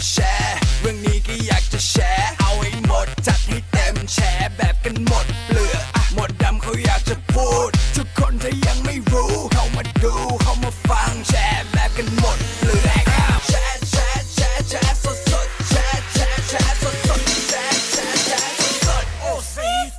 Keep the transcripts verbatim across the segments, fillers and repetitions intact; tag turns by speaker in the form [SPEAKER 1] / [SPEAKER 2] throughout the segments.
[SPEAKER 1] แชร์เรื่องนี้ก็อยากจะแชร์เอาให้หมดจัดให้เต็มแชร์แบบกันหมดเปลือกหมดดำเขาอยากจะพูดทุกคนถ้ายังไม่รู้เข้ามาดูเข้ามาฟังแชร์แบบกันหมดเปลือกแชร์แชร์แชร์แชร์สดสดแชร์แชร์แชร์สดสดแชร์แชร์แชร์สดสดโอ้ซี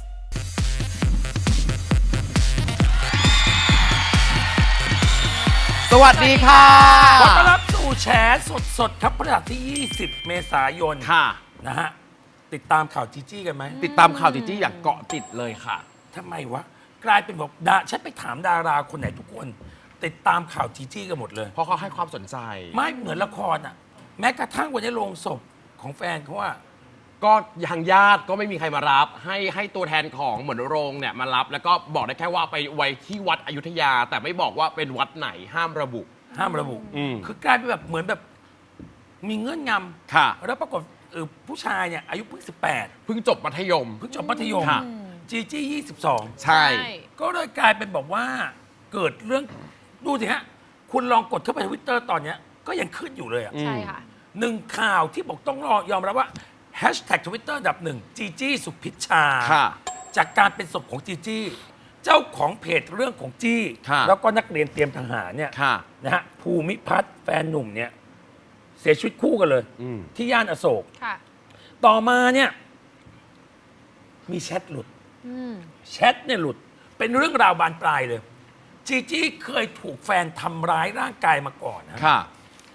[SPEAKER 2] สวัสดีค่ะ
[SPEAKER 3] ขอต้อนรับสู่แฉสดๆครับพฤหัสที่ ยี่สิบ เมษายน
[SPEAKER 2] ค่ะ
[SPEAKER 3] นะฮะ ติดตามข่าวจีจี้กันไหม
[SPEAKER 2] ติดตามข่าวจีจี้อย่างเกาะติดเลยค่ะ
[SPEAKER 3] ทำไมวะ กลายเป็นบอกดาฉันไปถามดาราคนไหนทุกคน ติดตามข่าวจีจี้กันหมดเลย
[SPEAKER 2] เพราะเขาให้ความสนใจ
[SPEAKER 3] ไม่เหมือนละครอ่ะ แม้กระทั่งวันนี้โรงศพของแฟนเขาว่า
[SPEAKER 2] ก็ทางญาติก็ไม่มีใครมารับ ให้ให้ตัวแทนของเหมือนโรงเนี่ยมารับ แล้วก็บอกได้แค่ว่าไปไว้ที่วัดอยุธยา แต่ไม่บอกว่าเป็นวัดไหนห้ามระบุ
[SPEAKER 3] ห้ามระบุ
[SPEAKER 2] อืม
[SPEAKER 3] คือกลายเป็นแบบเหมือนแบบมีเงื่อนง
[SPEAKER 2] ค่ะ
[SPEAKER 3] ำแล้วปรากฏเออผู้ชายเนี่ยอายุเพิ่งสิบแปด
[SPEAKER 2] เพิ่งจบมัธยม
[SPEAKER 3] เพิ่งจบมัธยม
[SPEAKER 2] ค่ะ
[SPEAKER 3] จีจี้ยี่สิบสอง
[SPEAKER 2] ใช่
[SPEAKER 3] ก็เลยกลายเป็นบอกว่าเกิดเรื่องดูสิฮะ คุณลองกดเข้าไปทวิตเตอร์ตอนเนี้ยก็ยังขึ้นอยู่เลยอ่ะ
[SPEAKER 2] อืม
[SPEAKER 4] ใช่ค่ะ
[SPEAKER 3] หนึ่งข่าวที่บอกต้องรอยอมรับว่าแฮชแท็กทวิตเตอร์ดับหนึ่งจีจี้สุพิชชา
[SPEAKER 2] ค่ะ
[SPEAKER 3] จากการเป็นศพของจีจี้เจ้าของเพจเรื่องของจี้
[SPEAKER 2] ค่ะ
[SPEAKER 3] แล้วก็นักเรียนเตรียมทหารเนี่ย
[SPEAKER 2] ค่ะ
[SPEAKER 3] นะฮะภูมิพัฒน์แฟนหนุ่มเนี่ยเสียชีวิตคู่กันเลย
[SPEAKER 2] อืม
[SPEAKER 3] ที่ย่านอโศก
[SPEAKER 4] ค่ะ
[SPEAKER 3] ต่อมาเนี่ยมีแชทหลุด
[SPEAKER 4] อืม
[SPEAKER 3] แชทเนี่ยหลุดเป็นเรื่องราวบานปลายเลยจีจี้เคยถูกแฟนทำร้ายร่างกายมาก่อนนะ
[SPEAKER 2] ค่ะ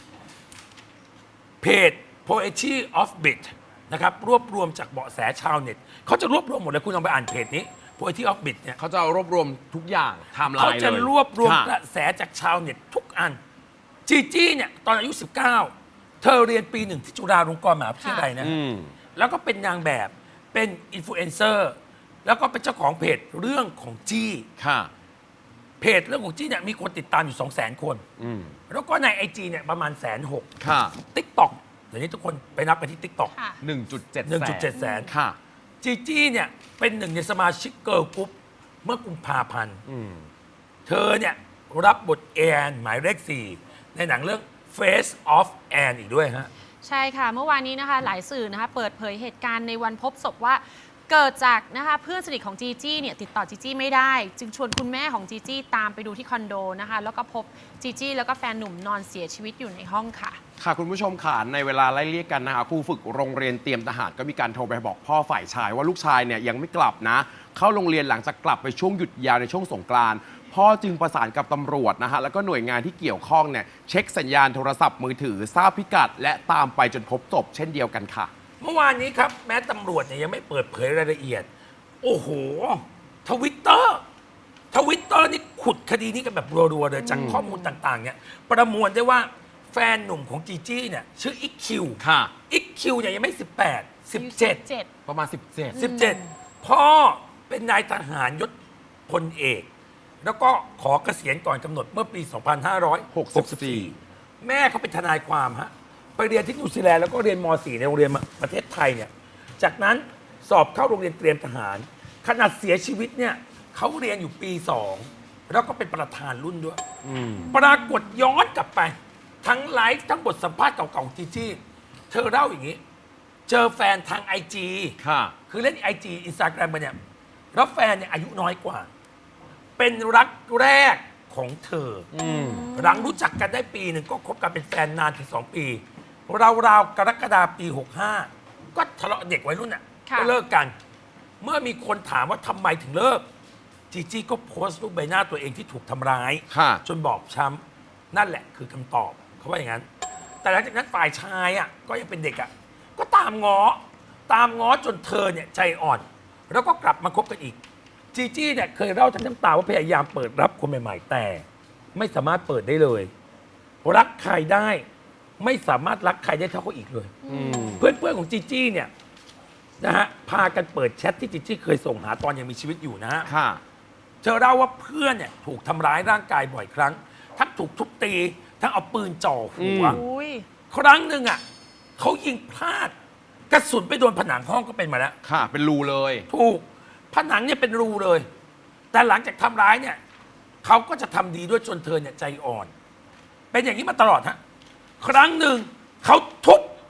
[SPEAKER 3] เพจ Poetry of Bit นะครับรวบรวมจากเบาะแสชาวเน็ตเขาจะรวบรวมหมดเลยคุณลองไปอ่านเพจนี้ Poetry of Bit เนี่ย
[SPEAKER 2] เขาจะรวบรวมทุกอย่างไทม์ไล
[SPEAKER 3] เขา
[SPEAKER 2] น์เลย
[SPEAKER 3] จะรวบรวม
[SPEAKER 2] ค่ะ
[SPEAKER 3] กระแสจากชาวเน็ตทุกอันจีจี้เนี่ยตอนอายุ สิบเก้า เธอเรียนปีหนึ่งที่จุฬาลงกรณ์มหาวิทยาลัยนะ
[SPEAKER 2] อืม
[SPEAKER 3] แล้วก็เป็นนางแบบเป็นอินฟลูเอนเซอร์แล้วก็เป็นเจ้าของเพจเรื่องของจี้
[SPEAKER 2] ค่ะ
[SPEAKER 3] เพจเรื่องของจี้เนี่ยมีคนติดตามอยู่ สองแสน คน
[SPEAKER 2] อืม
[SPEAKER 3] แล้วก็ในไอจีเนี่ยประมาณแสนหก
[SPEAKER 2] ค่ะ
[SPEAKER 3] ติ๊กต็อกเดี๋ยวนี้ทุกคนไปนับไปที่ติ๊กต็อก
[SPEAKER 4] ค่ะ
[SPEAKER 2] หนึ่งจุดเจ็ด
[SPEAKER 3] หนึ่งจุดเจ็ดแสน
[SPEAKER 2] ค่ะ
[SPEAKER 3] จีจี้เนี่ยเป็นหนึ่งในสมาชิกเกิร์ลกรุ๊ปเมื่อกุมภาพันธ์
[SPEAKER 2] อืม
[SPEAKER 3] เธอเนี่ยรับบทแอนหมายเลขสี่ในหนังเรื่อง Face of Anne อีกด้วยฮะ
[SPEAKER 4] ใช่ค่ะ เมื่อวานนี้นะคะ หลายสื่อนะคะ เปิดเผยเหตุการณ์ในวันพบศพว่าเกิดจากนะคะเพื่อนสนิทของจีจี้เนี่ยติดต่อจีจี้ไม่ได้ จึงชวนคุณแม่ของจีจี้ตามไปดูที่คอนโดนะคะ แล้วก็พบจีจี้แล้วก็แฟนหนุ่มนอนเสียชีวิตอยู่ในห้องค่ะ
[SPEAKER 2] ค่ะคุณผู้ชมค่ะในเวลาไล่เรียกกันนะคะครูฝึกโรงเรียนเตรียมทหารก็มีการโทรไปบอกพ่อฝ่ายชายว่าลูกชายเนี่ยยังไม่กลับนะ เข้าโรงเรียนหลังจากกลับไปช่วงหยุดยาวในช่วงสงกรานต์พ่อจึงประสานกับตำรวจนะฮะแล้วก็หน่วยงานที่เกี่ยวข้องเนี่ยเช็คสัญญาณโทรศัพท์มือถือทราบพิกัด และตามไปจนพบศพเช่นเดียวกันค่ะ
[SPEAKER 3] เมื่อวานนี้ครับ แม้ตำรวจเนี่ยยังไม่เปิดเผยรายละเอียด โอ้โหทวิตเตอร์ทวิตเตอร์นี่ขุดคดีนี้กันแบบรัวๆเลยจากข้อมูลต่างๆเนี่ยประมวลได้ว่าแฟนหนุ่มของจีจี้เนี่ยชื่ออิกคิว
[SPEAKER 2] ค่ะ
[SPEAKER 3] อิกคิวเนี่ยยังไม่ สิบแปด สิบเจ็ด
[SPEAKER 4] เจ็ด
[SPEAKER 2] ประมาณ สิบเจ็ด
[SPEAKER 3] สิบเจ็ดพ่อเป็นนายทหารยศพลเอก แล้วก็ขอเกษียณก่อนกำหนดเมื่อปี สองพันห้าร้อยหกสิบสี่ แม่เขาเป็นทนายความฮะไปเรียนที่นิวซีแลนด์แล้วก็เรียนม .สี่ ในโรงเรียนประเทศไทยเนี่ยจากนั้นสอบเข้าโรงเรียนเตรียมทหาร ขนาดเสียชีวิตเนี่ยเขาเรียนอยู่ปีสองแล้วก็เป็นประธานรุ่นด้วย
[SPEAKER 2] อืม
[SPEAKER 3] ปรากฏย้อนกลับไป ทั้งไลฟ์ทั้งบทสัมภาษณ์เก่าๆของจีจี้เธอเล่าอย่างนี้ เจอแฟนทางไอจี
[SPEAKER 2] ค่ะ
[SPEAKER 3] คือเล่นไอจีอินสตาแกรมมาเนี่ยแล้วแฟนเนี่ยอายุน้อยกว่า เป็นรักแรกของเธออ
[SPEAKER 2] อืม
[SPEAKER 3] หลังรู้จักกันได้ปีหนึ่งก็คบกันเป็นแฟนนานถึงสองปี ราวๆกรกฎาปีหกห้าก็ทะเลาะเด็กวัยรุ่นอ่ะ
[SPEAKER 4] ค่ะ
[SPEAKER 3] ก็เลิกกัน เมื่อมีคนถามว่าทำไมถึงเลิก จีจี้ก็โพสต์รูปใบหน้าตัวเองที่ถูกทำร้าย
[SPEAKER 2] ค่ะ
[SPEAKER 3] จนบอบช้ำนั่นแหละคือคำตอบเขาว่าอย่างนั้น แต่หลังจากนั้นฝ่ายชายอ่ะก็ยังเป็นเด็กอ่ะก็ตามง้อ ตามง้อจนเธอเนี่ยใจอ่อน แล้วก็กลับมาคบกันอีก จีจี้เนี่ยเคยเล่าทั้งน้ำตาว่าพยายามเปิดรับคนใหม่ๆแต่ ไม่สามารถเปิดได้เลย รักใครได้ ไม่สามารถรักใครได้เท่าเขาอีกเลย
[SPEAKER 2] อืม
[SPEAKER 3] เพื่อนๆของจีจี้เนี่ยนะฮะพากันเปิดแชทที่จีจี้เคยส่งหาตอนยังมีชีวิตอยู่นะฮะ
[SPEAKER 2] ค่ะ
[SPEAKER 3] เธอเล่าว่าเพื่อนเนี่ยถูกทำร้ายร่างกายบ่อยครั้ง ทั้งถูกทุบตี ทั้งเอาปืนจ่อหัว
[SPEAKER 2] อืม
[SPEAKER 4] อุ้ย
[SPEAKER 3] ครั้งหนึ่งอ่ะเขายิงพลาด กระสุนไปโดนผนังห้องก็เป็นมาแล้ว
[SPEAKER 2] ค่ะ เป็นรูเลย
[SPEAKER 3] ถูกผนังเนี่ยเป็นรูเลย แต่หลังจากทำร้ายเนี่ยเขาก็จะทำดีด้วยจนเธอเนี่ยใจอ่อน เป็นอย่างนี้มาตลอดฮะครั้งหนึ่งเขาทุบ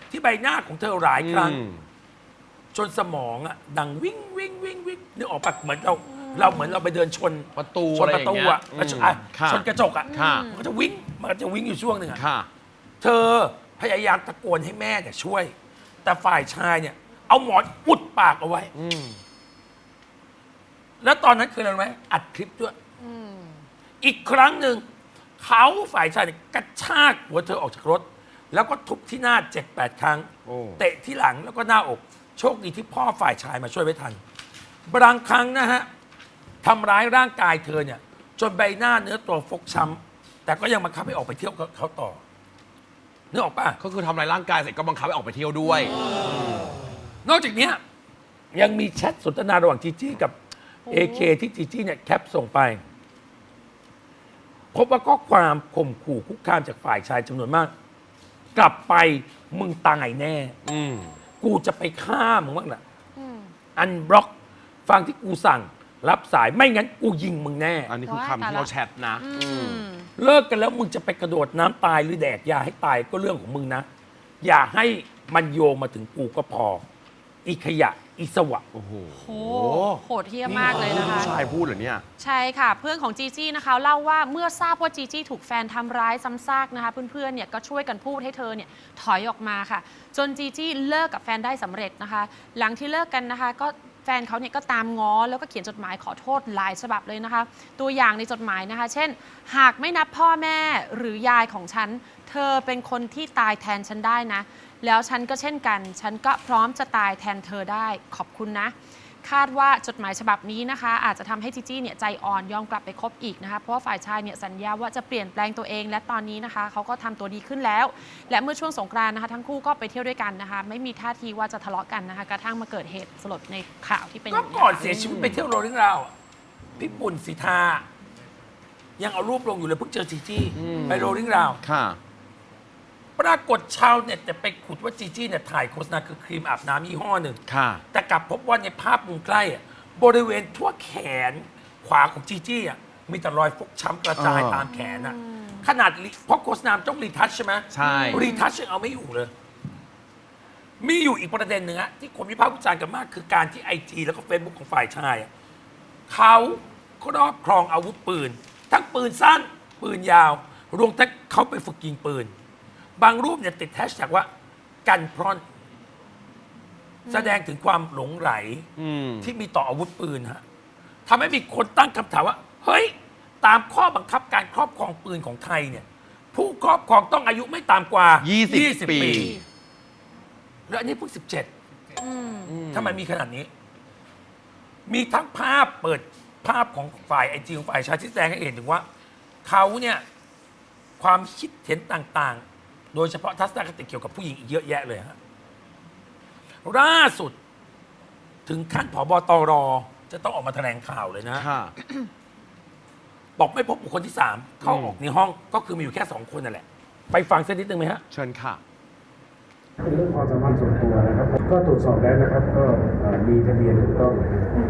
[SPEAKER 3] ที่ใบหน้าของเธอหลายครั้ง
[SPEAKER 2] อืม
[SPEAKER 3] จนสมองอะดังวิ่งวิ่งวิ่งวิ่งนึกออกปะเหมือนเราเราเหมือนเราไปเดินชน
[SPEAKER 2] ประตู
[SPEAKER 3] ชน
[SPEAKER 2] อะไร
[SPEAKER 3] ประตูอะ
[SPEAKER 2] อย่างเงี้ย
[SPEAKER 3] แล้วชนอ่ะ
[SPEAKER 2] ค่ะ
[SPEAKER 3] ชนกระจกอะ
[SPEAKER 2] ค่ะ
[SPEAKER 3] มันก็จะวิ่งมันก็จะวิ่งอยู่ช่วงหนึ่งอะ
[SPEAKER 2] ค่ะ
[SPEAKER 3] เธอพยายามตะโกนให้แม่เนี่ยช่วย แต่ฝ่ายชายเนี่ย เอาหมอนอุดปากเอาไว้
[SPEAKER 2] อืม
[SPEAKER 3] แล้วตอนนั้นคืออะไรรู้ไหมอัดคลิปด้วยอีกครั้งหนึ่งเขาฝ่ายชายเนี่ยกระชากหัวเธอออกจากรถ แล้วก็ทุบที่หน้าเจ็ดแปดครั้ง
[SPEAKER 2] โอ้
[SPEAKER 3] เตะที่หลังแล้วก็หน้าอก โชคดีที่พ่อฝ่ายชายมาช่วยไว้ทัน บางครั้งนะฮะทำร้ายร่างกายเธอเนี่ย จนใบหน้าเนื้อตัวฟกช้ำแต่ก็ยังบังคับให้ออกไปเที่ยวกับเขาต่อนึกออกปะ
[SPEAKER 2] ก็คือทำลายร่างกายเสร็จก็บังคับให้ออกไปเที่ยวด้วย
[SPEAKER 3] นอกจากเนี้ยยังมีแชทสนทนาระหว่างจีจี้กับ เอ เค ที่จีจี้เนี่ยแคปส่งไป พบว่าข้อความข่มขู่คุกคามจากฝ่ายชายจำนวนมาก กลับไปมึงตายแน่
[SPEAKER 2] อืม
[SPEAKER 3] กูจะไปฆ่ามึงบ้างแหละอันบล็อกฟังที่กูสั่ง รับสายไม่งั้นกูยิงมึงแน่
[SPEAKER 2] อันนี้คือคำที่เราแชทนะ
[SPEAKER 4] อืม
[SPEAKER 3] เลิกกันแล้วมึงจะไปกระโดดน้ำตายหรือแดกยาให้ตายก็เรื่องของมึงนะ อย่าให้มันโยงมาถึงกูก็พอ อีขยะ อีสวะ
[SPEAKER 2] โอ้โห
[SPEAKER 4] โหโหดเหี้ยมมากเลยนะคะ
[SPEAKER 2] ผู้ชายพูดเหรอเนี่ย
[SPEAKER 4] ใช่ค่ะ เพื่อนของจีจี้นะคะเล่าว่าเมื่อทราบว่าจีจี้ถูกแฟนทำร้ายซ้ำซากนะคะ เพื่อนๆเนี่ยก็ช่วยกันพูดให้เธอเนี่ยถอยออกมาค่ะ จนจีจี้เลิกกับแฟนได้สำเร็จนะคะ หลังที่เลิกกันนะคะ ก็แฟนเขาเนี่ยก็ตามง้อแล้วก็เขียนจดหมายขอโทษหลายฉบับเลยนะคะ ตัวอย่างในจดหมายนะคะ เช่น หากไม่นับพ่อแม่หรือยายของฉัน เธอเป็นคนที่ตายแทนฉันได้นะ แล้วฉันก็เช่นกัน ฉันก็พร้อมจะตายแทนเธอได้ขอบคุณนะ คาดว่าจดหมายฉบับนี้นะคะ อาจจะทำให้จีจี้เนี่ยใจอ่อนยอมกลับไปคบอีกนะคะ เพราะว่าฝ่ายชายเนี่ยสัญญาว่าจะเปลี่ยนแปลงตัวเอง และตอนนี้นะคะเขาก็ทำตัวดีขึ้นแล้ว และเมื่อช่วงสงกรานต์นะคะ ทั้งคู่ก็ไปเที่ยวด้วยกันนะคะ ไม่มีท่าทีว่าจะทะเลาะกันนะคะ กระทั่งมาเกิดเหตุสลดในข่าวที่เป็นอ
[SPEAKER 3] ก็
[SPEAKER 4] ย่างนี้
[SPEAKER 3] ก่อนเสียชีวิตไปเที่ยวโรลลิ่งราวด์อะพี่ปุ่นสิทายังเอารูปลงอยู่เลยเพิ่งเจอจีจี้ไปโรลลิ่งราวด์
[SPEAKER 2] ค่ะ
[SPEAKER 3] ปรากฏชาวเน็ตจะไปขุดว่าจีจี้เนี่ยถ่ายโฆษณาคือครีมอาบน้ำยี่ห้อหนึ่ง
[SPEAKER 2] ค่ะ
[SPEAKER 3] แต่กลับพบว่าในภาพมุมใกล้อะบริเวณทั่วแขนขวาของจีจี้อ่ะมีแต่รอยฟกช้ำกระจาย
[SPEAKER 2] อ่า
[SPEAKER 3] ตามแขนอ่ะขนาดลิเพราะโฆษณาต้องรีทัชใช่ไหม
[SPEAKER 2] ใช่
[SPEAKER 3] รีทัชยังเอาไม่อยู่เลย มีอยู่อีกประเด็นหนึ่งฮะที่คนวิพากษ์วิจารณ์กันมาก คือการที่ไอจีแล้วก็เฟซบุ๊กของฝ่ายชายอะเขาครอบครองอาวุธปืน ทั้งปืนสั้น ปืนยาว รวมทั้งเขาไปฝึกยิงปืน บางรูปเนี่ยติดแฮชแท็กว่า กันพร่อน แสดงถึงความหลงไหล
[SPEAKER 2] อืม
[SPEAKER 3] ที่มีต่ออาวุธปืนฮะทำให้มีคนตั้งคำถามว่า เฮ้ย ตามข้อบังคับการครอบครองปืนของไทยเนี่ย ผู้ครอบครองต้องอายุไม่ต่ำกว่า
[SPEAKER 2] ยี่สิบ
[SPEAKER 3] ยี่สิบ
[SPEAKER 2] ปี
[SPEAKER 3] แล้วอันนี้เพิ่งสิบเจ็ด
[SPEAKER 4] อืม
[SPEAKER 3] ทำไมมีขนาดนี้ มีทั้งภาพเปิดภาพของฝ่ายไอจีของฝ่ายชายที่แสดงให้เห็นถึงว่า เขาเนี่ย ความคิดเห็นต่างๆ โดยเฉพาะทัศนคติเกี่ยวกับผู้หญิงอีกเยอะแยะเลยฮะล่าสุด ถึงขั้นผบตรจะต้องออกมาแถลงข่าวเลยนะ
[SPEAKER 2] ค่ะ
[SPEAKER 3] บอกไม่พบบุคคลที่สามเข้าออกในห้องก็คือมีอยู่แค่สองคนนั่นแหละ ไปฟังสักนิดนึงไหมฮะ
[SPEAKER 2] เชิญค่ะ
[SPEAKER 5] เป็นเรื่องความสัมพันธ์ส่วนตัวนะครับก็ตรวจสอบแล้วนะครับ ก็เอ่อมีทะเบียนถูกต้อง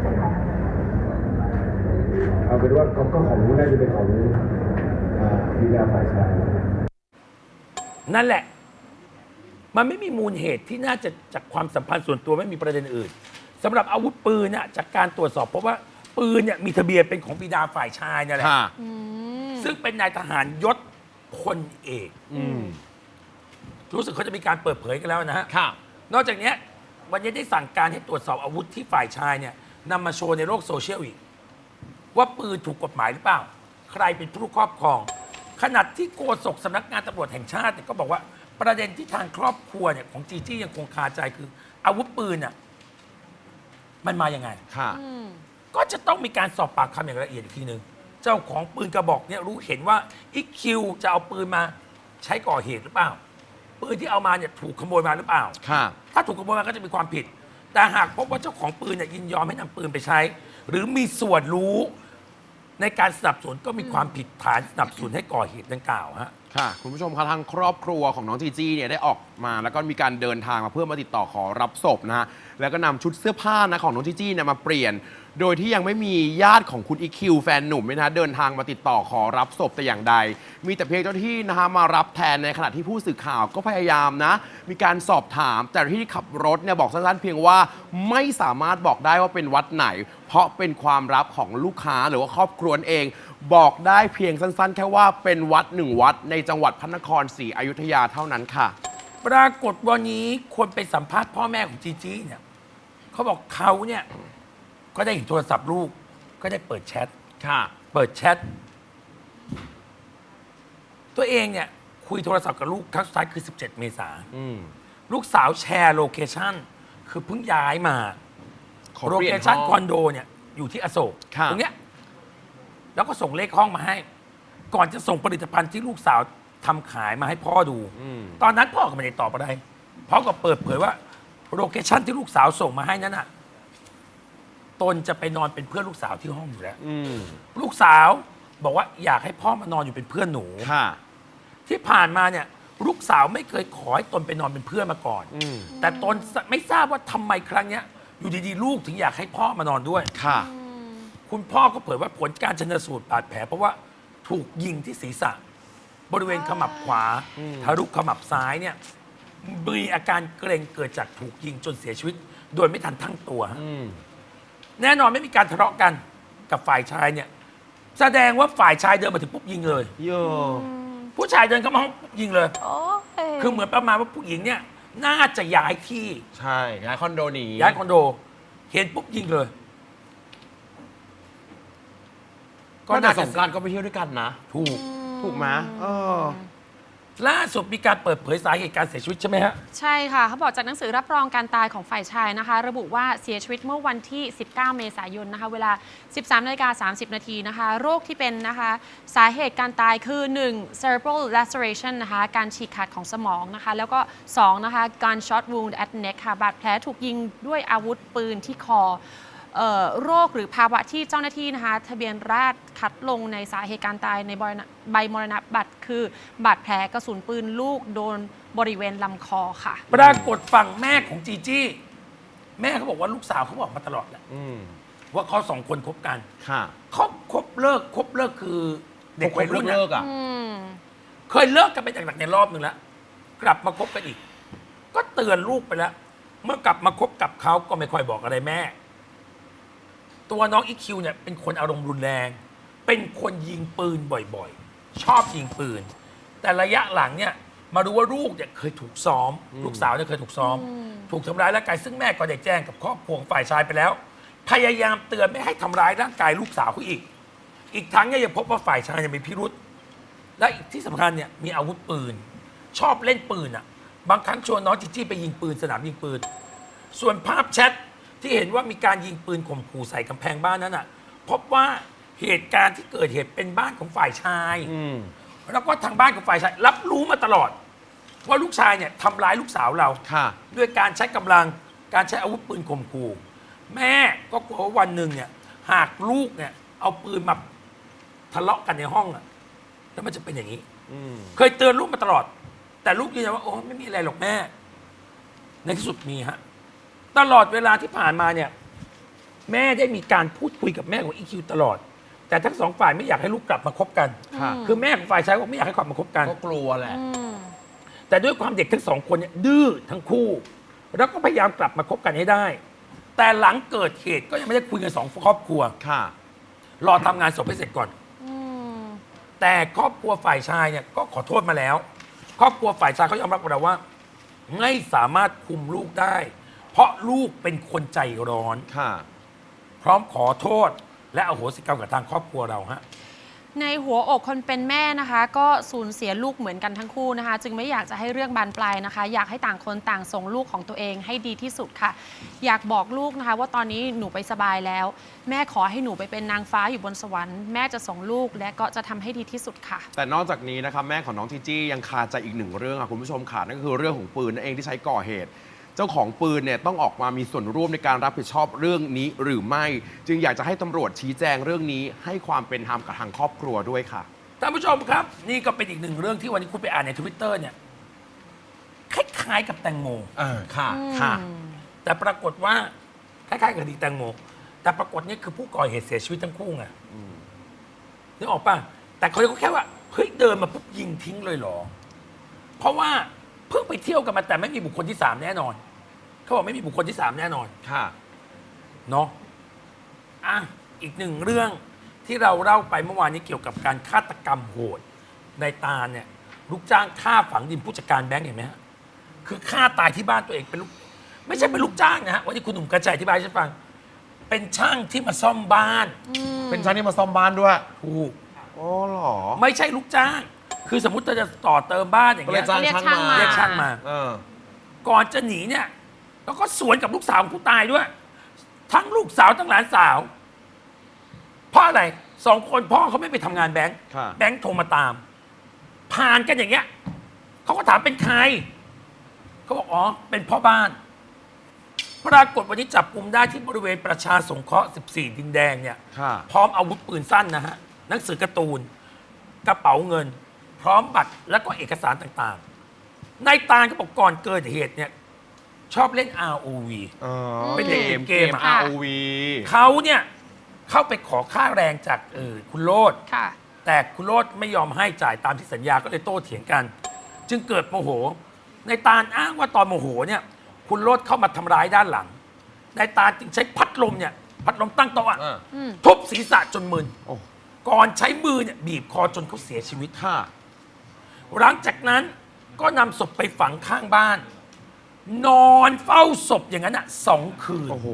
[SPEAKER 5] เอาเป็นว่าก็ของน่าจะเป็นของเอ่อบิดาฝ่ายชาย
[SPEAKER 3] นั่นแหละ มันไม่มีมูลเหตุที่น่าจะจากความสัมพันธ์ส่วนตัวไม่มีประเด็นอื่นสำหรับอาวุธปืนน่ะจากการตรวจสอบพบว่าปืนเนี่ยมีทะเบียนเป็นของบิดาฝ่ายชายนั่นแหละ
[SPEAKER 2] ค่ะ
[SPEAKER 4] อืม
[SPEAKER 3] ซึ่งเป็นนายทหารยศพลเอก
[SPEAKER 2] อืม
[SPEAKER 3] รู้สึกเขาจะมีการเปิดเผยกันแล้วนะฮะ
[SPEAKER 2] ค่ะ
[SPEAKER 3] นอกจากเนี้ยวันนี้ได้สั่งการให้ตรวจสอบอาวุธที่ฝ่ายชายเนี่ยนำมาโชว์ในโลกโซเชียลอีก ว่าปืนถูกกฎหมายหรือเปล่า ใครเป็นผู้ครอบครอง ขณะที่โฆษกสำนักงานตำรวจแห่งชาติเนี่ยก็บอกว่าประเด็นที่ทางครอบครัวเนี่ยของจีจี้ยังคงคาใจคือ อาวุธปืนน่ะมันมายังไง
[SPEAKER 2] ค่ะ
[SPEAKER 4] อืม
[SPEAKER 3] ก็จะต้องมีการสอบปากคำอย่างละเอียดอีกทีหนึ่งเจ้าของปืนกระบอกเนี่ยรู้เห็นว่าอีคิวจะเอาปืนมาใช้ก่อเหตุหรือเปล่า ปืนที่เอามาเนี่ยถูกขโมยมาหรือเปล่า
[SPEAKER 2] ค่ะ
[SPEAKER 3] ถ้าถูกขโมยมาก็จะมีความผิด แต่หากพบว่าเจ้าของปืนเนี่ยยินยอมให้นำปืนไปใช้ หรือมีส่วนรู้ในการสนับสนุนก็มีความผิดฐานสนับสนุนให้ก่อเหตุดังกล่าวฮะ
[SPEAKER 2] ค่ะคุณผู้ชมคะทางครอบครัวของน้องจีจี้เนี่ยได้ออกมาแล้วก็มีการเดินทางมาเพื่อมาติดต่อขอรับศพนะฮะแล้วก็นำชุดเสื้อผ้านะของน้องจีจี้เนี่ยมาเปลี่ยน โดยที่ยังไม่มีญาติของคุณอีคิวแฟนหนุ่มเนี่ยนะเดินทางมาติดต่อขอรับศพแต่อย่างใด มีแต่เพียงเจ้าหน้าที่นะฮะมารับแทนในขณะที่ผู้สื่อข่าวก็พยายามนะมีการสอบถามแต่ที่ขับรถเนี่ยบอกสั้นๆเพียงว่าไม่สามารถบอกได้ว่าเป็นวัดไหน เพราะเป็นความลับของลูกค้าหรือว่าครอบครัวเอง บอกได้เพียงสั้นๆ แค่ว่าเป็นวัดหนึ่งวัดในจังหวัดพระนครศรีอยุธยาเท่านั้นค่ะ
[SPEAKER 3] ปรากฏวันนี้คนไปสัมภาษณ์พ่อแม่ของจีจี้เนี่ยเขาบอกเขาเนี่ยก็ได้เห็นโทรศัพท์ลูกก็ได้เปิดแชท
[SPEAKER 2] ค่ะ
[SPEAKER 3] เปิดแชทตัวเองเนี่ยคุยโทรศัพท์กับลูกครั้งสุดท้ายคือ สิบเจ็ด เมษายน
[SPEAKER 2] อืม
[SPEAKER 3] ลูกสาวแชร์โลเคชั่นคือเพิ่งย้ายมา
[SPEAKER 2] ขอ
[SPEAKER 3] โล
[SPEAKER 2] เปลี่
[SPEAKER 3] เค
[SPEAKER 2] ยน
[SPEAKER 3] ชั่น
[SPEAKER 2] ห้อง
[SPEAKER 3] คอนโดเนี่ยอยู่ที่อโศก
[SPEAKER 2] ค่ะ
[SPEAKER 3] ตรงเนี้ยแล้วก็ส่งเลขห้องมาให้ ก่อนจะส่งผลิตภัณฑ์ที่ลูกสาวทำขายมาให้พ่อดู
[SPEAKER 2] อืม
[SPEAKER 3] ตอนนั้นพ่อก็ไม่ได้ตอบอะไรพ่อก็เปิดเผยว่าโลเคชั่นที่ลูกสาวส่งมาให้นั้นน่ะตนจะไปนอนเป็นเพื่อนลูกสาวที่ห้องอยู่แล้ว
[SPEAKER 2] อืม
[SPEAKER 3] ลูกสาวบอกว่าอยากให้พ่อมานอนอยู่เป็นเพื่อนหนู
[SPEAKER 2] ค่ะ
[SPEAKER 3] ที่ผ่านมาเนี่ยลูกสาวไม่เคยขอให้ตนไปนอนเป็นเพื่อนมาก่อน
[SPEAKER 2] อืม
[SPEAKER 3] แต่ตนไม่ทราบว่าทำไมครั้งเนี้ยอยู่ดีๆลูกถึงอยากให้พ่อมานอนด้วย
[SPEAKER 2] ค่ะ
[SPEAKER 3] คุณพ่อก็เผยว่าผลการชันสูตรบาดแผลเพราะว่าถูกยิงที่ศีรษะ บริเวณขมับขวา
[SPEAKER 2] อืม
[SPEAKER 3] ทะลุขมับซ้ายเนี่ยมีอาการเกร็งเกิดจากถูกยิงจนเสียชีวิต โดยไม่ทันทั้งตัวฮะ
[SPEAKER 2] อืม
[SPEAKER 3] แน่นอนไม่มีการทะเลาะกันกับฝ่ายชายเนี่ยแสดงว่าฝ่ายชายเดินมาถึงปุ๊บยิงเลย
[SPEAKER 2] โย
[SPEAKER 3] ผู้ชายเดินเข้ามาห้องปุ๊บยิงเลย
[SPEAKER 4] โอ้ย
[SPEAKER 3] คือเหมือนประมาณว่าผู้หญิงเนี่ยน่าจะย้ายที่
[SPEAKER 2] ใช่ย้ายคอนโดหนี
[SPEAKER 3] ย้ายคอนโด เห็นปุ๊บยิงเลย
[SPEAKER 2] ก็น่าสงกรานต์ก็ไปเที่ยวด้วยกันนะ
[SPEAKER 3] ถูก
[SPEAKER 2] ถูกไหมเออ
[SPEAKER 3] ล่าสุดมีการเปิดเผยสาเหตุการเสียชีวิตใช่ไหมฮะ
[SPEAKER 4] ใช่ค่ะเขาบอกจากหนังสือรับรองการตายของฝ่ายชายนะคะ ระบุว่าเสียชีวิตเมื่อวันที่ สิบเก้า เมษายนนะคะ เวลา สิบสามนาฬิกาสามสิบนาทีนะคะ โรคที่เป็นนะคะ สาเหตุการตายคือ หนึ่ง cerebral laceration นะคะ การฉีกขาดของสมองนะคะ แล้วก็ สอง นะคะ gunshot wound at neck ค่ะ บาดแผลถูกยิงด้วยอาวุธปืนที่คอ เอ่อโรคหรือภาวะที่เจ้าหน้าที่นะคะทะเบียนราษฎร์คัดลงในสาเหตุการตายในใบมรณบัตรคือบาดแผลกระสุนปืนลูกโดนบริเวณลำคอค่ะ
[SPEAKER 3] ปรากฏฝั่งแม่ของจีจี้แม่เขาบอกว่าลูกสาวเขาบอกมาตลอดแหละ
[SPEAKER 2] อืม
[SPEAKER 3] ว่าเขาสองคนคบกัน
[SPEAKER 2] ค่ะ
[SPEAKER 3] เขาคบเลิกคบเลิกคือเด็กวัยรุ่น
[SPEAKER 2] เลิก
[SPEAKER 3] น่ะ
[SPEAKER 2] อ่ะ
[SPEAKER 4] อืม
[SPEAKER 3] เคยเลิกกันไปจากหลักในรอบหนึ่งแล้ว กลับมาคบกันอีก ก็เตือนลูกไปแล้ว เมื่อกลับมาคบกับเขาก็ไม่ค่อยบอกอะไรแม่ ตัวน้องอีคิวเนี่ยเป็นคนอารมณ์รุนแรง เป็นคนยิงปืนบ่อยๆ ชอบยิงปืน แต่ระยะหลังเนี่ยมารู้ว่าลูกเนี่ยเคยถูกซ้อม ลูกสาวเนี่ยเคยถูกซ้อม ถูกทำร้ายร่างกายซึ่งแม่ก็ได้แจ้งกับครอบครัวของฝ่ายชายไปแล้ว พยายามเตือนไม่ให้ทำร้ายร่างกายลูกสาวเขาอีก อีกทั้งเนี่ยยังพบว่าฝ่ายชายเนี่ยมีพิรุษ และอีกที่สำคัญเนี่ยมีอาวุธปืน ชอบเล่นปืนอ่ะ บางครั้งชวนน้องจิจี้ไปยิงปืนสนามยิงปืน ส่วนภาพแชทที่เห็นว่ามีการยิงปืนข่มขู่ใส่กำแพงบ้านนั้นอ่ะ พบว่าเหตุการณ์ที่เกิดเหตุเป็นบ้านของฝ่ายชาย
[SPEAKER 2] อืม
[SPEAKER 3] แล้วก็ทางบ้านของฝ่ายชายรับรู้มาตลอด ว่าลูกชายเนี่ยทำร้ายลูกสาวเรา
[SPEAKER 2] ค่ะ
[SPEAKER 3] ด้วยการใช้กำลังการใช้อาวุธปืนข่มขู่แม่ก็กลัวว่าวันหนึ่งเนี่ยหากลูกเนี่ยเอาปืนมาทะเลาะกันในห้องอะแล้วมันจะเป็นอย่างนี้
[SPEAKER 2] อืม
[SPEAKER 3] เคยเตือนลูกมาตลอด แต่ลูกยืนยันว่าโอ้ไม่มีอะไรหรอกแม่ ในที่สุดมีฮะตลอดเวลาที่ผ่านมาเนี่ยแม่ได้มีการพูดคุยกับแม่ของอีคิวตลอด แต่ทั้งสองฝ่ายไม่อยากให้ลูกกลับมาคบกัน
[SPEAKER 2] ค่ะ
[SPEAKER 3] คือแม่ของฝ่ายชายบอกไม่อยากให้กลับมาคบกัน
[SPEAKER 2] ก็กลัวแหละ
[SPEAKER 4] อืม
[SPEAKER 3] แต่ด้วยความเด็กทั้งสองคนเนี่ยดื้อทั้งคู่ แล้วก็พยายามกลับมาคบกันให้ได้ แต่หลังเกิดเหตุก็ยังไม่ได้คุยกันสองครอบครัว
[SPEAKER 2] ค่ะ
[SPEAKER 3] รอทำงานศพให้เสร็จก่อน
[SPEAKER 4] อืม
[SPEAKER 3] แต่ครอบครัวฝ่ายชายเนี่ยก็ขอโทษมาแล้ว ครอบครัวฝ่ายชายเขายอมรับกับเราว่า ไม่สามารถคุมลูกได้ เพราะลูกเป็นคนใจร้อน
[SPEAKER 2] ค่ะ
[SPEAKER 3] พร้อมขอโทษ และอโหสิกรรมกับทางครอบครัวเราฮะ
[SPEAKER 4] ในหัวอกคนเป็นแม่นะคะ ก็สูญเสียลูกเหมือนกันทั้งคู่นะคะ จึงไม่อยากจะให้เรื่องบานปลายนะคะ อยากให้ต่างคนต่างส่งลูกของตัวเองให้ดีที่สุดค่ะ อยากบอกลูกนะคะ ว่าตอนนี้หนูไปสบายแล้ว แม่ขอให้หนูไปเป็นนางฟ้าอยู่บนสวรรค์แม่จะส่งลูกและก็จะทำให้ดีที่สุดค่ะ
[SPEAKER 2] แต่นอกจากนี้นะครับแม่ของน้องจีจี้ยังคาใจอีกหนึ่งเรื่องค่ะคุณผู้ชมค่ะนั่นก็คือเรื่องของปืนนั่นเองที่ใช้ก่อเหตุ เจ้าของปืนเนี่ยต้องออกมามีส่วนร่วมในการรับผิดชอบเรื่องนี้หรือไม่ จึงอยากจะให้ตำรวจชี้แจงเรื่องนี้ให้ความเป็นธรรมกับทางครอบครัวด้วยค่ะ
[SPEAKER 3] ท่านผู้ชมครับ นี่ก็เป็นอีกหนึ่งเรื่องที่วันนี้คุณไปอ่านในทวิตเตอร์เนี่ยคล้ายๆกับแตงโม
[SPEAKER 2] เออค่ะค่ะ
[SPEAKER 3] แต่ปรากฏว่าคล้ายๆกับคดีแตงโม แต่ปรากฏเนี่ยคือผู้ก่อเหตุเสียชีวิตทั้งคู่ไงนึกออกป่ะแต่เขาก็แค่ว่าเฮ้ยเดินมาปุ๊บยิงทิ้งเลยเหรอ เพราะว่าเพิ่งไปเที่ยวกันมาแต่ไม่มีบุคคลที่สามแน่นอนเขาบอกไม่มีบุคคลที่สามแน่นอน
[SPEAKER 2] ค่ะ
[SPEAKER 3] เนาะอ่ะอีกหนึ่งเรื่องที่เราเล่าไปเมื่อวานนี้เกี่ยวกับการฆาตกรรมโหดในตาลเนี่ยลูกจ้างฆ่าฝังดินผู้จัดการแบงค์เห็นไหมฮะคือฆ่าตายที่บ้านตัวเองเป็นลูกไม่ใช่เป็นลูกจ้างนะฮะวันนี้คุณหนุ่มกระจายอธิบายให้ฉันฟังเป็นช่างที่มาซ่อมบ้าน
[SPEAKER 2] เป็นชั้นที่มาซ่อมบ้านด้วย
[SPEAKER 3] ถูก
[SPEAKER 2] โอ้หรอ
[SPEAKER 3] ไม่ใช่ลูกจ้าง คือสมมติเราจะต่อเติมบ้านอย่าง
[SPEAKER 2] ก็เล
[SPEAKER 3] เงี้
[SPEAKER 2] ย
[SPEAKER 3] ย
[SPEAKER 2] จ้าง
[SPEAKER 4] เรียก
[SPEAKER 2] ช่าง
[SPEAKER 4] ช่าง
[SPEAKER 2] มา
[SPEAKER 4] มา
[SPEAKER 3] เรียกช่างมา
[SPEAKER 2] เออ
[SPEAKER 3] ก่อนจะหนีเนี่ยแล้วก็สวนกับลูกสาวของผู้ตายด้วย ทั้งลูกสาวทั้งหลานสาวเพราะอะไรสองคนพ่อเขาไม่ไปทำงานแบงค์
[SPEAKER 2] ค่ะ
[SPEAKER 3] แบงค์โทรมาตาม ผ่านกันอย่างเงี้ยเขาก็ถามเป็นใครเขาบอกอ๋อเป็นพ่อบ้าน ปรากฏวันนี้จับกลุ่มได้ที่บริเวณประชาสงเคราะห์สิบสี่ดินแดงเนี่ย
[SPEAKER 2] ค่ะ
[SPEAKER 3] พร้อมอาวุธปืนสั้นนะฮะหนังสือการ์ตูน กระเป๋าเงิน พร้อมบัตรและก็เอกสารต่างๆ ในายตาลก็บอกก่อนเกิดเหตุเนี่ยชอบเล่น อาร์ โอ วี
[SPEAKER 2] เออ
[SPEAKER 3] เป็นเกม
[SPEAKER 2] เกม
[SPEAKER 3] อะ
[SPEAKER 2] อาร์ โอ วี
[SPEAKER 3] เขาเนี่ยเข้าไปขอค่าแรงจากเออคุณโรด
[SPEAKER 4] ค่ะ
[SPEAKER 3] แต่คุณโรดไม่ยอมให้จ่ายตามที่สัญญาก็เลยโต้เถียงกัน จึงเกิดโมโหในายตาลอ้างว่าตอนโมโหเนี่ยคุณโรดเข้ามาทำร้ายด้านหลังนายตาลจึงใช้พัดลมเนี่ยพัดลมตั้งโต๊ะอะ
[SPEAKER 2] เออ
[SPEAKER 3] ทุบศีรษะจนมึน
[SPEAKER 2] โอ้
[SPEAKER 3] ก่อนใช้มือเนี่ยบีบคอจนเขาเสียชีวิต
[SPEAKER 2] ค่ะ
[SPEAKER 3] หลังจากนั้นก็นำศพไปฝังข้างบ้าน นอนเฝ้าศพอย่างนั้นอ่ะสองคืน
[SPEAKER 2] โอ้โห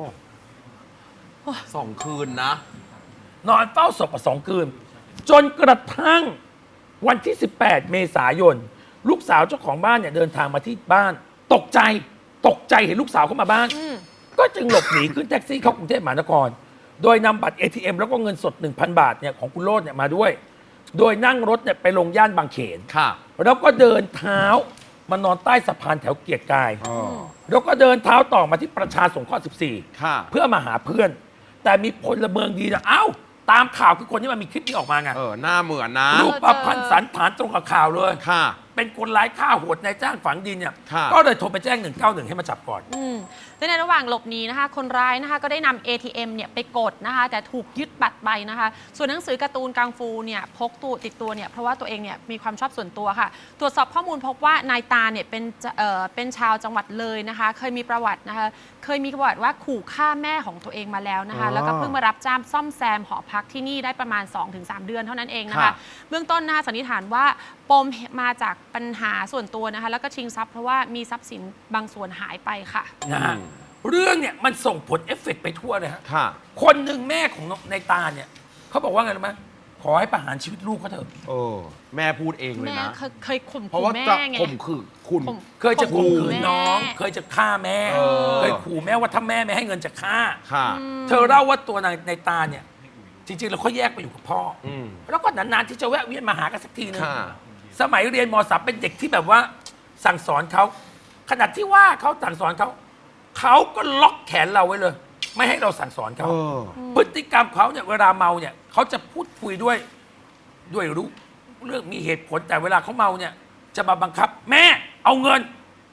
[SPEAKER 2] สองคืนนะ
[SPEAKER 3] นอนเฝ้าศพมาสองคืน จนกระทั่งวันที่ สิบแปด เมษายน ลูกสาวเจ้าของบ้านเนี่ยเดินทางมาที่บ้าน ตกใจตกใจเห็นลูกสาวเข้ามาบ้าน
[SPEAKER 4] อืม
[SPEAKER 3] ก็จึงหลบหนีขึ้นแท็กซี่เข้ากรุงเทพมหานคร โดยนำบัตร เอ ที เอ็ม แล้วก็เงินสด หนึ่งพัน บาทเนี่ยของคุณโรจน์เนี่ยมาด้วย โดยนั่งรถเนี่ยไปลงย่านบางเขน
[SPEAKER 2] ค่ะ
[SPEAKER 3] แล้วก็เดินเท้ามานอนใต้สะพานแถวเกียรติกาย
[SPEAKER 2] อ๋อ
[SPEAKER 3] แล้วก็เดินเท้าต่อมาที่ประชาสงเคราะห์สิบสี่
[SPEAKER 2] ค่ะ
[SPEAKER 3] เพื่อมาหาเพื่อน แต่มีพลเมืองดีนะเอ้า ตามข่าวคือคนที่มันมีคลิปนี้ออกมาไง
[SPEAKER 2] เออ หน้าเหมือนนะ
[SPEAKER 3] รูปประพันธ์สันฐานตรงกับข่าวเลย
[SPEAKER 2] ค่ะ
[SPEAKER 3] เป็นคนร้ายฆ่าโหดนายจ้างฝังดินเนี่ย
[SPEAKER 2] ค่ะ
[SPEAKER 3] ก็เลยโทรไปแจ้งหนึ่งเก้าหนึ่งให้มาจับก่อน
[SPEAKER 4] อืมและในระหว่างหลบหนีนะคะ คนร้ายนะคะก็ได้นำ เอ ที เอ็ม เนี่ยไปกดนะคะ แต่ถูกยึดบัตรไปนะคะ ส่วนหนังสือการ์ตูนกังฟูเนี่ยพกตัวติดตัวเนี่ยเพราะว่าตัวเองเนี่ยมีความชอบส่วนตัวค่ะ ตรวจสอบข้อมูลพบว่านายตาเนี่ยเป็นจะเอ่อเป็นชาวจังหวัดเลยนะคะ เคยมีประวัตินะคะ เคยมีประวัติว่าขู่ฆ่าแม่ของตัวเองมาแล้วนะคะ
[SPEAKER 2] อ๋อ
[SPEAKER 4] แล้วก็เพิ่งมารับจ้างซ่อมแซมหอพักที่นี่ได้ประมาณ สองถึงสาม เดือนเท่านั้นเองนะ
[SPEAKER 2] ค่ะ
[SPEAKER 4] คะ เบื้องต้นนะคะสันนิษฐานว่าปมมาจากปัญหาส่วนตัวนะคะ แล้วก็ชิงทรัพย์เพราะว่ามีทรัพย์สินบางส่วนหายไปค่ะ
[SPEAKER 3] นะฮะเรื่องเนี่ยมันส่งผลเอฟเฟกต์ไปทั่วเลยฮะ
[SPEAKER 2] ค่ะ
[SPEAKER 3] คนหนึ่งแม่ของนายตาเนี่ยเขาบอกว่าไงรู้ไหมขอให้ประหารชีวิตลูกเขาเถอะ
[SPEAKER 2] เออ แม่พูดเองเลย
[SPEAKER 4] แม่
[SPEAKER 2] นะ
[SPEAKER 4] เคยเคยข่ม
[SPEAKER 2] เพราะ
[SPEAKER 4] ขู่
[SPEAKER 2] ว่า
[SPEAKER 4] แม่
[SPEAKER 2] จะ
[SPEAKER 4] ไง
[SPEAKER 2] ข่มขืนคุณ
[SPEAKER 4] ข่ม
[SPEAKER 3] เคยจะข่มขืน
[SPEAKER 4] แม่
[SPEAKER 3] น้อง เคยจะฆ่าแม่
[SPEAKER 2] เออ
[SPEAKER 3] เคยขู่แม่ว่าถ้าแม่ไม่ให้เงินจะฆ่า
[SPEAKER 2] ค่ะ
[SPEAKER 3] เธอเล่าว่าตัวนายนายตาเนี่ย จริงๆแล้วเขาแยกไปอยู่กับพ่ออ
[SPEAKER 2] อืม
[SPEAKER 3] แล้วก็นานๆที่จะแวะเวียนมาหากันสักทีนึง
[SPEAKER 2] ค่ะ
[SPEAKER 3] สมัยเรียนมสามเป็นเด็กที่แบบว่า สั่งสอนเขาขนาดที่ว่าเขาสั่งสอนเขาเขาก็ล็อกแขนเราไว้เลย ไม่ให้เราสั่งสอนเขา
[SPEAKER 2] เออ
[SPEAKER 3] พฤติกรรมเขาเนี่ยเวลาเมาเนี่ยเขาจะพูดคุยด้วยด้วยรู้เรื่องมีเหตุผลแต่เวลาเขาเมาเนี่ย จะมาบังคับ แม่เอาเงิน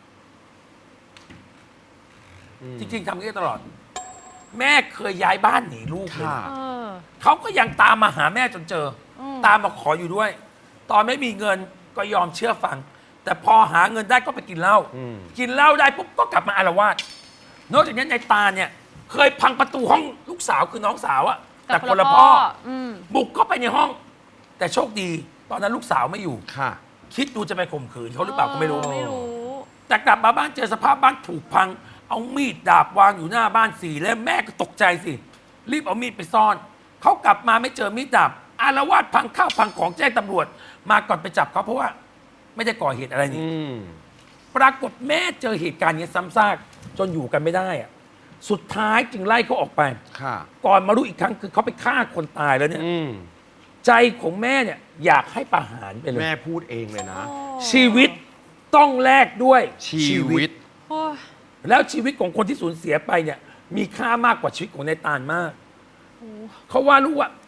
[SPEAKER 3] จริงๆทำอย่างนี้ตลอด แม่เคยย้ายบ้านหนีลูกเลย
[SPEAKER 2] ค่ะ
[SPEAKER 4] เออ
[SPEAKER 3] เขาก็ยังตามมาหาแม่จนเจออ
[SPEAKER 4] ม
[SPEAKER 3] ตามมาขออยู่ด้วย ตอนไม่มีเงินก็ยอมเชื่อฟัง แต่พอหาเงินได้ก็ไปกินเหล้า
[SPEAKER 2] อืม
[SPEAKER 3] กินเหล้าได้ปุ๊บก็กลับมาอาละวาดนอกจากนี้นายตาเนี่ย เคยพังประตูห้องลูกสาวคือน้องสาวอะแต่คนละพ่อ
[SPEAKER 4] อืม
[SPEAKER 3] บุกเข้าไปในห้อง แต่โชคดี ตอนนั้นลูกสาวไม่อยู่
[SPEAKER 2] ค่ะ
[SPEAKER 3] คิดดูจะไปข่มขืนเขาหรือเปล่าก็ไม่รู้
[SPEAKER 4] ไม่รู้
[SPEAKER 3] แต่กลับมาบ้านเจอสภาพบ้านถูกพัง เอามีดดาบวางอยู่หน้าบ้านสี่เล่มแม่ก็ตกใจสิ รีบเอามีดไปซ่อน เขากลับมาไม่เจอมีดดาบอารวาสพังข้าวพังของแจ้งตำรวจ มาก่อนไปจับเขาเพราะว่าไม่ได้ก่อเหตุอะไรนี่
[SPEAKER 2] อืม
[SPEAKER 3] ปรากฏแม่เจอเหตุการณ์นี้ซ้ำซากจนอยู่กันไม่ได้อะสุดท้ายจึงไล่เขาออกไป
[SPEAKER 2] ค่ะ
[SPEAKER 3] ก่อนมารู้อีกครั้งคือเขาไปฆ่าคนตายแล้วเนี่ย
[SPEAKER 2] อืม
[SPEAKER 3] ใจของแม่เนี่ยอยากให้ประหารไปเลย
[SPEAKER 2] แม่พูดเองเลยนะ
[SPEAKER 3] ชีวิตต้องแลกด้วย
[SPEAKER 2] ชีวิต
[SPEAKER 4] โอ้ย
[SPEAKER 3] แล้วชีวิตของคนที่สูญเสียไปเนี่ย มีค่ามากกว่าชีวิตของนายตาลมาก
[SPEAKER 4] โอ้
[SPEAKER 3] เขาว่ารู้ว่า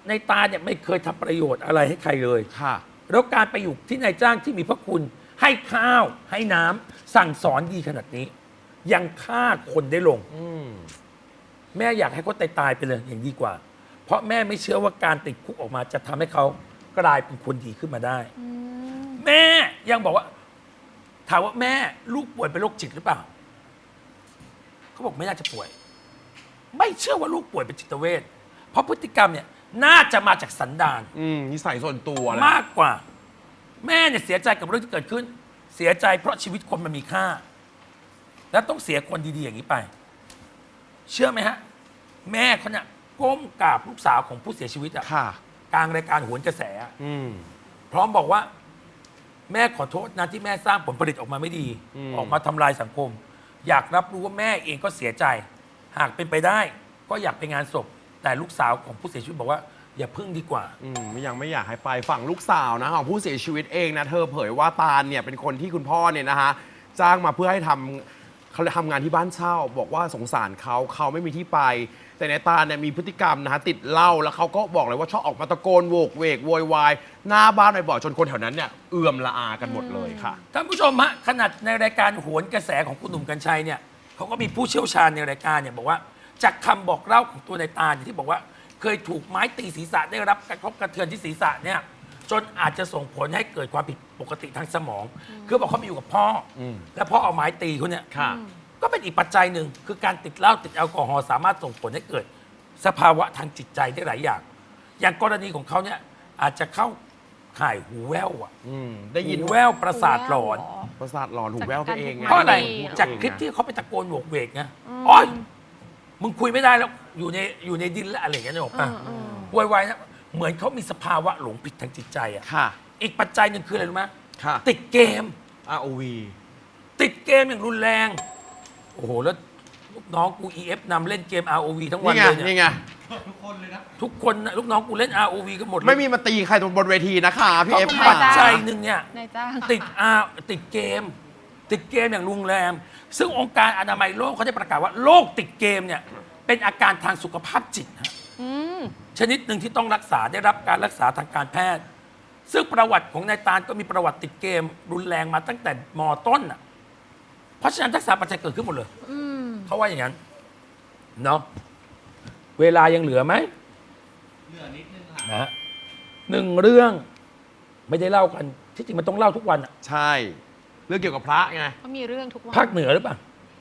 [SPEAKER 3] ในตาเนี่ยไม่เคยทำประโยชน์อะไรให้ใครเลย
[SPEAKER 2] ค่ะ
[SPEAKER 3] แล้วการไปอยู่ที่นายจ้างที่มีพระคุณ ให้ข้าวให้น้ำสั่งสอนดีขนาดนี้ ยังฆ่าคนได้ลง
[SPEAKER 2] อืม
[SPEAKER 3] แม่อยากให้เขาตายตายๆไปเลยอย่างดีกว่า เพราะแม่ไม่เชื่อว่าการติดคุกออกมาจะทำให้เขากลายเป็นคนดีขึ้นมาได้ แม่ยังบอกว่า ถามว่าแม่ลูกป่วยเป็นโรคจิตหรือเปล่าเขาบอกไม่น่าจะป่วย ไม่เชื่อว่าลูกป่วยเป็นจิตเวชเพราะพฤติกรรมเนี่ยน่าจะมาจากสันดาน
[SPEAKER 2] อืมนิสัยส่วนตัวแหละ
[SPEAKER 3] มากกว่า แม่เนี่ยเสียใจกับเรื่องที่เกิดขึ้น เสียใจเพราะชีวิตคนมันมีค่า และต้องเสียคนดีๆอย่างนี้ไป เชื่อไหมฮะ แม่เขาเนี่ยก้มกราบลูกสาวของผู้เสียชีวิตอะ
[SPEAKER 2] ค่ะ
[SPEAKER 3] กลางรายการโหนกระแสอะ
[SPEAKER 2] อืม
[SPEAKER 3] พร้อมบอกว่า แม่ขอโทษนะที่แม่สร้างผลผลิตออกมาไม่ดี
[SPEAKER 2] อืม
[SPEAKER 3] ออกมาทำลายสังคม อยากรับรู้ว่าแม่เองก็เสียใจ หากเป็นไปได้ ก็อยากไปงานศพ แต่ลูกสาวของผู้เสียชีวิตบอกว่า อย่าพึ่งดีกว่า
[SPEAKER 2] อืมไม่ยังไม่อยากให้ไปฝั่งลูกสาวนะของผู้เสียชีวิตเองนะเธอเผยว่าตาลเนี่ยเป็นคนที่คุณพ่อเนี่ยนะฮะจ้างมาเพื่อให้ทำเขาเลยทำงานที่บ้านเช่า บอกว่าสงสารเขาเขาไม่มีที่ไป แต่ในตาลเนี่ยมีพฤติกรรมนะฮะติดเหล้าแล้วเขาก็บอกเลยว่าชอบออกมาตะโกนโวกเวกโวยวายหน้าบ้านบ่อยๆจนคนแถวนั้นเนี่ยเอื่อมละอากันหมดเลยค่ะ
[SPEAKER 3] ท่านผู้ชมฮะขนาดในรายการโหนกระแสของคุณหนุ่มกัญชัยเนี่ยเขาก็มีผู้เชี่ยวชาญในรายการเนี่ยบอกว่าจากคำบอกเล่าของตัวในตาลที่บอกว่าเคยถูกไม้ตีศีรษะได้รับกระทบกระเทือนที่ศีรษะเนี่ยจนอาจจะส่งผลให้เกิดความผิดปกติทางสมอง คือบอกเขาไปอยู่กับพ่ออ
[SPEAKER 2] ม
[SPEAKER 3] แล้วพ่อเอาไม้ตีเขาเนี่ย
[SPEAKER 2] ค่ะ
[SPEAKER 3] ก็เป็นอีกปัจจัยหนึ่งคือการติดเหล้าติดแอลกอฮอล์สามารถส่งผลให้เกิดสภาวะทางจิตใจได้หลายอย่าง อย่างกรณีของเขาเนี่ยอาจจะเข้าข่ายหูแว่วอะ
[SPEAKER 2] อืมได้ยิน
[SPEAKER 3] หูแววประสาทหลอน
[SPEAKER 2] ประสาทหลอนหูแว่วไปเองไง
[SPEAKER 3] เพราะอะไร
[SPEAKER 4] ดี
[SPEAKER 3] จากคลิปที่เขาไปตะโกนโหวกเวกไงอ๋อยมึงคุยไม่ได้แล้วอยู่ในอยู่ในดินแล้วอะไรอย่างเงี้ยนึกออกปะโวยวายนะเหมือนเขามีสภาวะหลงผิดทางจิตใจอ่ะ
[SPEAKER 2] ค่ะ
[SPEAKER 3] อีกปัจจัยหนึ่งคืออะไรรู้ไหม
[SPEAKER 2] ค่ะ
[SPEAKER 3] ติดเกม
[SPEAKER 2] อาร์ โอ วี
[SPEAKER 3] ติดเกมอย่างรุนแรง โอ้โห แล้วลูกน้องกู อี เอฟ นำเล่นเกม อาร์ โอ วี ทั้งวัน
[SPEAKER 2] นี่ไง
[SPEAKER 3] เลย
[SPEAKER 2] นี่
[SPEAKER 3] เนี่ย
[SPEAKER 2] ไง
[SPEAKER 3] ทุกคนนะลูกน้องกูเล่น อาร์ โอ วี กันหมดเลย
[SPEAKER 2] ไม่มีมาตีใครบนเวทีนะคะพี่เอฟ
[SPEAKER 3] ปั
[SPEAKER 2] ค่ะ
[SPEAKER 3] จจัยหนึ่งเนี่ย
[SPEAKER 4] นายจ้าง
[SPEAKER 3] ติดอาติดเกม ติดเกมอย่างรุนแรงซึ่งองค์การอนามัยโลกเขาได้ประกาศว่าโรคติดเกมเนี่ยเป็นอาการทางสุขภาพจิตฮะ
[SPEAKER 4] อืม
[SPEAKER 3] ชนิดหนึ่งที่ต้องรักษาได้รับการรักษาทางการแพทย์ ซึ่งประวัติของนายตาลก็มีประวัติติดเกม รุนแรงมาตั้งแต่มต้นอ่ะเพราะฉะนั้นทักษะปัจจัยเกิดขึ้นหมดเลย
[SPEAKER 4] อืม
[SPEAKER 3] เขาว่าอย่างนั้นเนาะเวลายังเหลือไหมเหลือนิดนึงค่ะนะฮะหนึ่งเรื่องไม่ได้เล่ากันที่จริงมันต้องเล่าทุกวันอะ
[SPEAKER 2] ใช่ เรื่องเกี่ยวกับพระไง
[SPEAKER 4] เขามีเรื่องทุกวัน
[SPEAKER 3] ภาคเหนือหรือเปล่า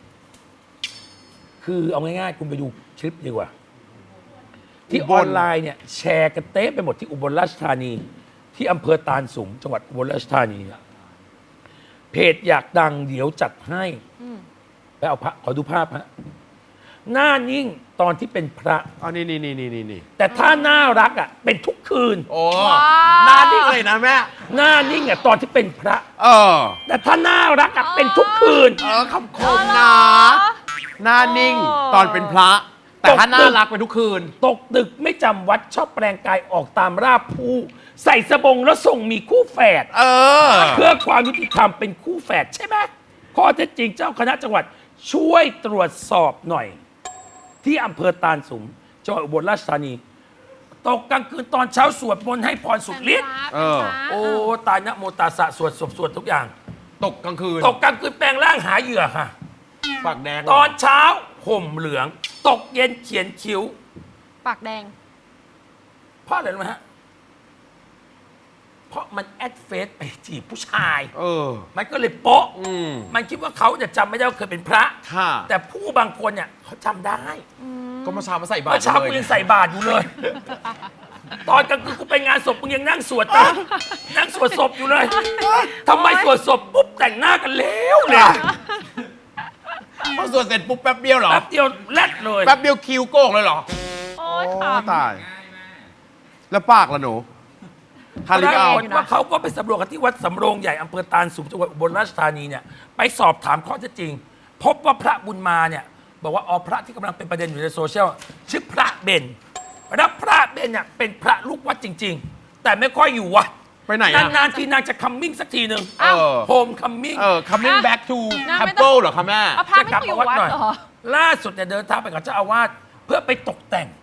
[SPEAKER 3] คือเอาง่ายๆ คุณไปดูคลิปดีกว่า ที่
[SPEAKER 2] อุ
[SPEAKER 3] อบ
[SPEAKER 2] ล
[SPEAKER 3] อนไลน์เนี่ยแชร์กันเต้ไปหมดที่อุบลราชธานี ที่อำเภอตาลสุมจังหวัดอุบลราชธานีเนี่ยเพจอยากดังเดี๋ยวจัดให้
[SPEAKER 4] อืม
[SPEAKER 3] ไปเอาพระขอดูภาพฮะหน้านิ่งตอนที่เป็นพระ
[SPEAKER 2] อ๋อนี่นี่นี่นี่นี่
[SPEAKER 3] แต่ถ้าน่ารักอ่ะเป็นทุกคืน
[SPEAKER 2] โอ้
[SPEAKER 4] ว้าว
[SPEAKER 2] หน้าดิ้งเลยนะแม่
[SPEAKER 3] หน้านิ่งอ่ะตอนที่เป็นพระ
[SPEAKER 2] เออ
[SPEAKER 3] แต่ถ้าน่ารักอ่ะเป็นทุกคืน
[SPEAKER 2] เออคำคมนะ หน้านิ่งตอนเป็นพระ แต่ถ้าน่ารักไปทุกคืน
[SPEAKER 3] ตกดึกไม่จำวัดชอบแปลงกายออกตามราบผู้ใส่สบงแล้วส่งมีคู่แฝด
[SPEAKER 2] เออ
[SPEAKER 3] เพื่อความยุติธรรมเป็นคู่แฝดใช่ไหมข้อเท็จจริงเจ้าคณะจังหวัดช่วยตรวจสอบหน่อย ที่อำเภอตาลสุมจังหวัดอุบลราชธานี ตกกลางคืนตอนเช้าสวดมนต์ให้พรสุดฤทธิ์
[SPEAKER 2] เออ
[SPEAKER 3] โอ้ตายนะโมตาสะสวดสวดสวดทุกอย่าง
[SPEAKER 2] ตกกลางคืน
[SPEAKER 3] ตกกลางคืนแปลงร่างหาเหยื่อค่ะ
[SPEAKER 2] ปากแดง
[SPEAKER 3] ตอนเช้าห่มเหลือง ตกเย็นเขียนคิ้ว
[SPEAKER 4] ปากแดง
[SPEAKER 3] เพราะอะไรรู้ไหมฮะ เพราะมันแอดเฟซไปจีบผู้ชาย
[SPEAKER 2] เออ
[SPEAKER 3] มันก็เลยโป๊ะ
[SPEAKER 2] อืม
[SPEAKER 3] มันคิดว่าเขาจะจำไม่ได้ว่าเคยเป็นพระ
[SPEAKER 2] ค่ะ
[SPEAKER 3] แต่ผู้บางคนเนี่ยเขาจำได้
[SPEAKER 2] ก็มาเช้ามาใส่บาตร
[SPEAKER 3] เมื่อเช้า
[SPEAKER 2] ล
[SPEAKER 3] กูยังใส่บาตรอยู่เลย ตอนกลางคืนกูไปงานศพมึงยังนั่งสวดนะนั่งสวดศพอยู่เลยทำไมสวดศพปุ๊บแต่งหน้ากันเร็วเลย
[SPEAKER 2] พอสวดเสร็จปุ๊บแป๊บเดียวเหรอ
[SPEAKER 3] แป๊บเดียวแลดเลย
[SPEAKER 2] แป๊บเดียวคิวโก้งเลยเหรอ
[SPEAKER 4] โอ้ย
[SPEAKER 2] โอ้
[SPEAKER 4] ขำ
[SPEAKER 2] ตาย แล้วปากล่ะหนูทาลิ
[SPEAKER 3] ป
[SPEAKER 2] ป
[SPEAKER 3] รา
[SPEAKER 2] เอา
[SPEAKER 3] กฏว่าเขาก็ไปสำรวจกันที่วัดสำโรงใหญ่อำเภอตาลสุมจังหวัดอุบลราชธานีเนี่ยไปสอบถามข้อเท็จจริง พบว่าพระบุญมาเนี่ยบอกว่าอ๋อพระที่กำลังเป็นประเด็นอยู่ในโซเชียลชื่อพระเบนแล้วพระเบนเนี่ยเป็นพระลูกวัดจริง ๆ แต่ไม่ค่อยอยู่วัด
[SPEAKER 2] ไปไหนอ่ะ
[SPEAKER 3] นานๆทีนางจะคัมมิ่งสักทีหนึ่ง
[SPEAKER 2] เออ
[SPEAKER 3] โฮมคัมมิ่ง
[SPEAKER 2] เออ coming back to
[SPEAKER 4] น่าไม่ต้อง
[SPEAKER 2] temple เหรอคะแม่
[SPEAKER 4] เอาพาไม่ต้องอยู่วัดเหรอ
[SPEAKER 3] ล่าสุดเนี่ยเดินทางไปกับเจ้าอาวาสเพื่อไปตกแต่ง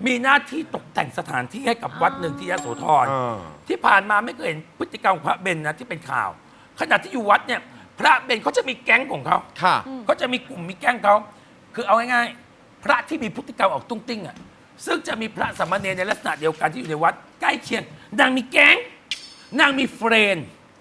[SPEAKER 3] มีหน้าที่ตกแต่งสถานที่ให้กับวัดหนึ่งที่ยโสธร
[SPEAKER 2] เออ
[SPEAKER 3] ที่ผ่านมาไม่เคยเห็นพฤติกรรมของพระเบนนะที่เป็นข่าว ขณะที่อยู่วัดเนี่ยพระเบนเขาจะมีแก๊งของเขา
[SPEAKER 2] ค่ะ
[SPEAKER 3] เขาจะมีกลุ่มมีแก๊งเขาคือเอาง่ายๆพระที่มีพฤติกรรมออกตุ้งติ้งอ่ะซึ่งจะมีพระสามเณรในลักษณะเดียวกันที่อยู่ในวัดใกล้เคียงนางมีแก๊งนางมีเฟรนด์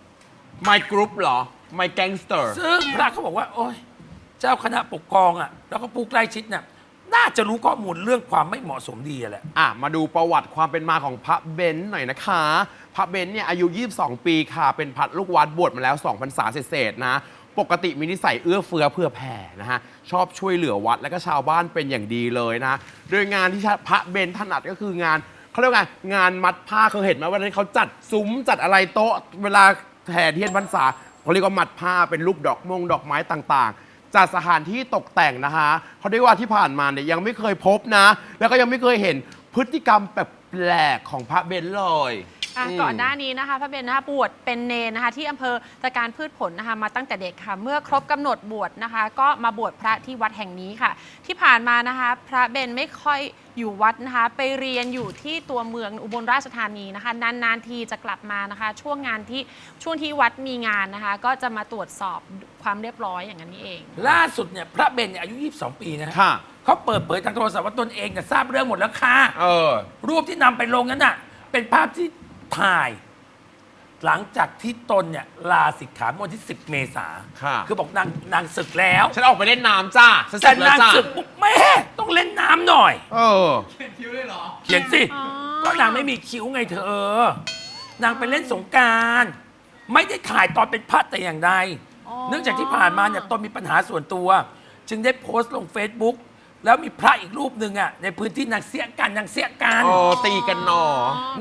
[SPEAKER 2] My Group เหรอ My Gangster
[SPEAKER 3] ซึ่งพระเขาบอกว่า โอ้ยเจ้าคณะปกครองอ่ะแล้วก็ผู้ใกล้ชิดเนี่ยน่าจะรู้ข้อมูลเรื่องความไม่เหมาะสมดีอะแหละ
[SPEAKER 2] อ่ะมาดูประวัติความเป็นมาของพระเบนซ์หน่อยนะคะ พระเบนซ์เนี่ยอายุ ยี่สิบสอง ปีค่ะ เป็นพระลูกวัดบวชมาแล้ว สองพรรษาเศษๆนะ ปกติมีนิสัยเอื้อเฟื้อเผื่อแผ่นะฮะ ชอบช่วยเหลือวัดและก็ชาวบ้านเป็นอย่างดีเลยนะ โดยงานที่พระเบนซ์ถนัดก็คืองานเขาเรียกว่าไงงานมัดผ้าเคยเห็นไหมวันนี้เขาจัดซุ้มจัดอะไรโต๊ะเวลาแห่เทียนพรรษาเขาเรียกว่ามัดผ้าเป็นรูปดอกมงดอกไม้ต่างๆ จัดสถานที่ตกแต่งนะคะเขาเรียกว่าที่ผ่านมาเนี่ยยังไม่เคยพบนะ แล้วก็ยังไม่เคยเห็นพฤติกรรมแปลกๆของพระเบนซ์เลย
[SPEAKER 4] อ่ะ
[SPEAKER 2] อืม
[SPEAKER 4] ก่อนหน้านี้นะคะพระเบนนะคะบวชเป็นเนรนะคะที่อำเภอตะการพืชผลนะคะมาตั้งแต่เด็กค่ะ เมื่อครบกำหนดบวชนะคะ ก็มาบวชพระที่วัดแห่งนี้ค่ะ ที่ผ่านมานะคะพระเบนไม่ค่อยอยู่วัดนะคะ ไปเรียนอยู่ที่ตัวเมืองอุบลราชธานีนะคะนานๆทีจะกลับมานะคะ ช่วงงานที่ช่วงที่วัดมีงานนะคะ ก็จะมาตรวจสอบความเรียบร้อยอย่างนั้นนี่เอง
[SPEAKER 3] ล่าสุดเนี่ยพระเบนเนี่ยอายุยี่สิบสองปีนะฮะ
[SPEAKER 2] ค่ะ
[SPEAKER 3] เขาเปิดเผยทางโทรศัพท์ว่าตนเองเนี่ยทราบเรื่องหมดแล้วค่ะ
[SPEAKER 2] เออ
[SPEAKER 3] รูปที่นำไปลงนั้นน่ะเป็นภาพที่ถ่าย หลังจากที่ตนเนี่ยลาสิกขาเมื่อวันที่ สิบ เมษา
[SPEAKER 2] ค่ะ
[SPEAKER 3] คือบอกนางนางศึกแล้ว
[SPEAKER 2] ฉันออกไปเล่นน้ำจ้าฉัน
[SPEAKER 3] แต่
[SPEAKER 2] เสร็จแล้ว
[SPEAKER 3] นาง
[SPEAKER 2] จ้า
[SPEAKER 3] ศึกปุ๊บแม่ต้องเล่นน้ำหน่อย
[SPEAKER 2] เออ
[SPEAKER 3] เขียนสิ
[SPEAKER 4] อ๋อ
[SPEAKER 3] ก็นางไม่มีคิ้วไงเธอ นางไปเล่นสงกรารไม่ได้ถ่ายตอนเป็นพระแต่อย่างใด
[SPEAKER 4] อ๋อ
[SPEAKER 3] เนื่องจากที่ผ่านมาเนี่ยตนมีปัญหาส่วนตัว จึงได้โพสต์ลง Facebook แล้วมีพระอีกรูปหนึ่งอ่ะในพื้นที่นางเสี้ยกันนางเสี้ยกัน
[SPEAKER 2] โอ้ตีกันหนอน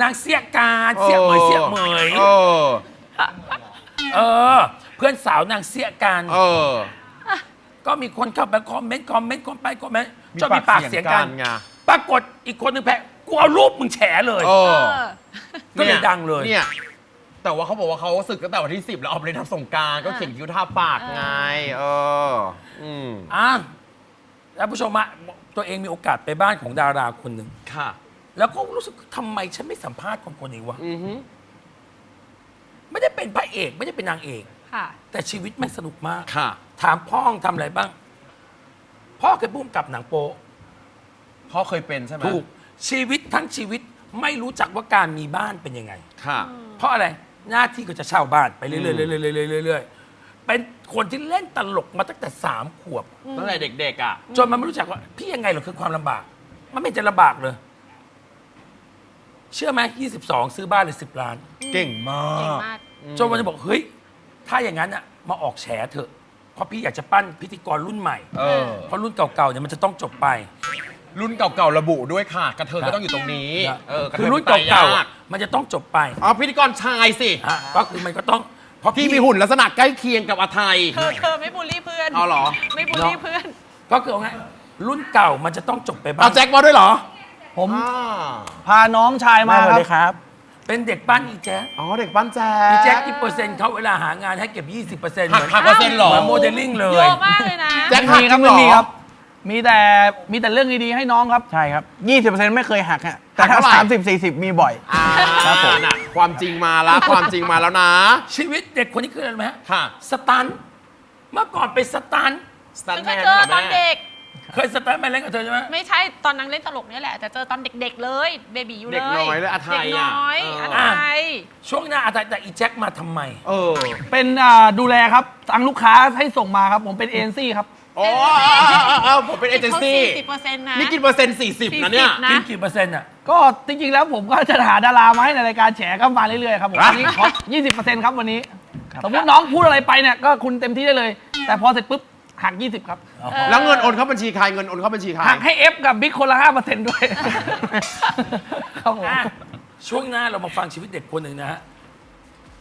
[SPEAKER 3] างเสี้ยการเสี้ยเหมยเสี้ยเหมย
[SPEAKER 2] เออ
[SPEAKER 3] เออ เพื่อนสาวนางเสี้ยกัน
[SPEAKER 2] เออ
[SPEAKER 3] ก็มีคนเข้าไปคอมเมนต์คอมเมนต์คอมไปคอมเมนต์
[SPEAKER 2] มี
[SPEAKER 3] จนมีปากเสียงกัน
[SPEAKER 2] ปากเสียงกันไง
[SPEAKER 3] ปรากฏอีกคนหนึ่งแพ้กูเอารูปมึงแฉเลย
[SPEAKER 2] เออ
[SPEAKER 4] เออ
[SPEAKER 3] ก็เลยดังเลย
[SPEAKER 2] เนี่ย แต่ว่าเขาบอกว่าเขาสึกตั้งแต่วันที่สิบแล้วออกไปเล่นน้ำสงกรารก็เขียนคิ้วทาปากไง เออ อืม
[SPEAKER 3] อ่ะแล้วผู้ชมอะตัวเองมีโอกาสไปบ้านของดาราคนหนึ่ง
[SPEAKER 2] ค่ะ
[SPEAKER 3] แล้วก็รู้สึกทำไมฉันไม่สัมภาษณ์คนคนนี้วะ
[SPEAKER 2] อือฮึ
[SPEAKER 3] ไม่ได้เป็นพระเอกไม่ได้เป็นนางเอก
[SPEAKER 4] ค่ะ
[SPEAKER 3] แต่ชีวิตไม่สนุกมาก
[SPEAKER 2] ค่ะ
[SPEAKER 3] ถามพ่อทำอะไรบ้าง พ่อเคยพุ่มกับหนังโป๊
[SPEAKER 2] พ่อเคยเป็นใช่ไหม
[SPEAKER 3] ถูกชีวิตทั้งชีวิตไม่รู้จักว่าการมีบ้านเป็นยังไง
[SPEAKER 2] ค่ะ
[SPEAKER 3] เพราะอะไรหน้าที่ก็จะเช่าบ้านไปเรื่อยๆเรื่อยๆเรื่อยๆเป็นคนที่เล่นตลกมาตั้งแต่สามขวบ
[SPEAKER 2] ตั้งแต่เด็กๆอ่ะ
[SPEAKER 3] จนมันไม่รู้จักว่า พี่ยังไงเหรอคือความลำบาก มันไม่จะลำบากเลย เชื่อไหมยี่สิบสองซื้อบ้านเลยสิบล้าน
[SPEAKER 2] เก่งมา
[SPEAKER 4] เก่ง
[SPEAKER 2] ก
[SPEAKER 4] มาก
[SPEAKER 3] จนวันจะบอก เฮ้ย ถ้าอย่างนั้นอะมาออกแฉเถอะ เพราะพี่อยากจะปั้นพิธีกรรุ่นใหม่
[SPEAKER 2] เออ
[SPEAKER 3] เพราะรุ่นเก่าๆเนี่ยมันจะต้องจบไป
[SPEAKER 2] รุ่นเก่าๆระบุด้วยค่ะ กระเทยก็ต้องอยู่ตรงนี้ เออกระเท
[SPEAKER 3] คื
[SPEAKER 2] ย
[SPEAKER 3] อรุ่น
[SPEAKER 2] ตย
[SPEAKER 3] เก่าๆอะมันจะต้องจบไป
[SPEAKER 2] อ๋อพิธีกรชายสิ
[SPEAKER 3] ฮะก็คือมันก็ต้องเพราะ
[SPEAKER 2] พี่มีหุ่นลักษณะใกล้เคียงกับอาไทย
[SPEAKER 4] เธอเธอไม่บูลลี่เพื่อน
[SPEAKER 2] เอาเหรอ
[SPEAKER 4] ไม่บูลลี่เพื่อน
[SPEAKER 3] ก็คือเอาไงรุ่นเก่ามันจะต้องจบไปบ้า
[SPEAKER 2] เอา
[SPEAKER 3] ง
[SPEAKER 2] แจ็คมาด้วยเหรอ
[SPEAKER 6] ผม
[SPEAKER 2] อ่า
[SPEAKER 6] พาน้องชายมา
[SPEAKER 7] สวัสดี
[SPEAKER 6] ค
[SPEAKER 7] ครับ รับ
[SPEAKER 3] เป็นเด็กปั้นอีแจ๊ค
[SPEAKER 2] อ๋อเด็กบ้านแจ๊
[SPEAKER 3] อีแจ๊คที่เปอร์เซ็นต์เขาเวลาหางานให้เก็บ ยี่สิบเปอร์เซ็นต์
[SPEAKER 2] หักหักเปอร์เซ็นต์เหรอ
[SPEAKER 3] มือนโมเดลลิ่งเล
[SPEAKER 4] เย
[SPEAKER 3] ย
[SPEAKER 4] อะมากเลยนะ
[SPEAKER 2] แจ็ค
[SPEAKER 6] ไม่มีครับ
[SPEAKER 2] หักจริงเหรอ
[SPEAKER 6] ไม่มีครับ มีแต่มีแต่เรื่องดีๆให้น้องครับ
[SPEAKER 7] ใช่ครับ ยี่สิบเปอร์เซ็นต์ ไม่เคยหักฮะแต่ถ้า
[SPEAKER 2] หักเท่าไหร่
[SPEAKER 7] สามสิบสี่สิบมีบ่อย
[SPEAKER 2] อ่า
[SPEAKER 7] ครับผม
[SPEAKER 2] น่ะความจริงมาแล้วความจริงมาแล้วนะ
[SPEAKER 3] ชีวิตเด็กคนนี้คืออะไรรู้ไหมฮะ
[SPEAKER 2] ค่ะ
[SPEAKER 3] สตันท์เมื่อก่อนเป็นสตันท์
[SPEAKER 2] สตัน
[SPEAKER 4] ฉัน
[SPEAKER 2] แม
[SPEAKER 4] ก็
[SPEAKER 2] น
[SPEAKER 4] เจอ
[SPEAKER 2] เหรอ
[SPEAKER 4] ตอน
[SPEAKER 2] แม่
[SPEAKER 4] เด็ก
[SPEAKER 3] เคยสตันท์แมนเล่นกับเธอใช่ไหม
[SPEAKER 4] ไม่ใช่ตอนนั้นเล่นตลกเนี่ยแหละ แต่เจอตอนเด็กๆเลย เบบีอยู่เลย
[SPEAKER 2] เด็กน้อยเลยอาไทย
[SPEAKER 4] เด็ก
[SPEAKER 2] อ่ะ
[SPEAKER 4] น้อย
[SPEAKER 2] เอออ
[SPEAKER 4] อาไทย
[SPEAKER 3] ช่วงหน้าอาจารย์แต่อีแจ็คมาทำไม
[SPEAKER 2] เออ
[SPEAKER 6] เป็นอ่าดูแลครับทางลูกค้าให้ส่งมาครับ ผมเป็นเอ็นซี่ครับ
[SPEAKER 2] อ๋อเออผมเป็นเอเจนซี่
[SPEAKER 4] สิบเปอร์เซ็นต์นะ
[SPEAKER 2] นี่กินเปอร์เซ็นต์สี่สิบนะเนี่ย
[SPEAKER 4] นะ
[SPEAKER 3] กินกี่เปอร์เซ็นต์อ่ะ
[SPEAKER 6] ก็จริงๆแล้วผมก็จะหาดารามาให้ในรายการแฉก็มาเรื่อยๆครับผม
[SPEAKER 2] อ่ะ
[SPEAKER 6] วันนี้ขอยี่สิบเปอร์เซ็นต์ครับวันนี้ สมมติน้องพูดอะไรไปเนี่ยก็คุณเต็มที่ได้เลย แต่พอเสร็จปุ๊บหักยี่สิบครับ
[SPEAKER 2] แล้วเงินโอนเข้าบัญชีใครเงินโอนเข้าบัญชีใคร
[SPEAKER 6] หักให้ F กับบิ๊กคนละห้าเปอร์เซ็นต์ด้วย ครับผม
[SPEAKER 3] อ่ะช่วงหน้าเรามาฟังชีวิตเด็กคนหนึ่งนะฮะ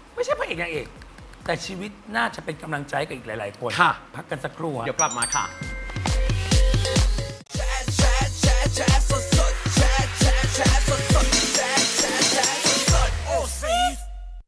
[SPEAKER 3] ไม่ใช่พระเอกนางเอก แต่ชีวิตน่าจะเป็นกำลังใจกับอีกหลาย ๆ คน
[SPEAKER 2] ค่ะ
[SPEAKER 3] พักกันสักครู่ฮะ
[SPEAKER 2] เดี๋ยวกลับมาค่ะ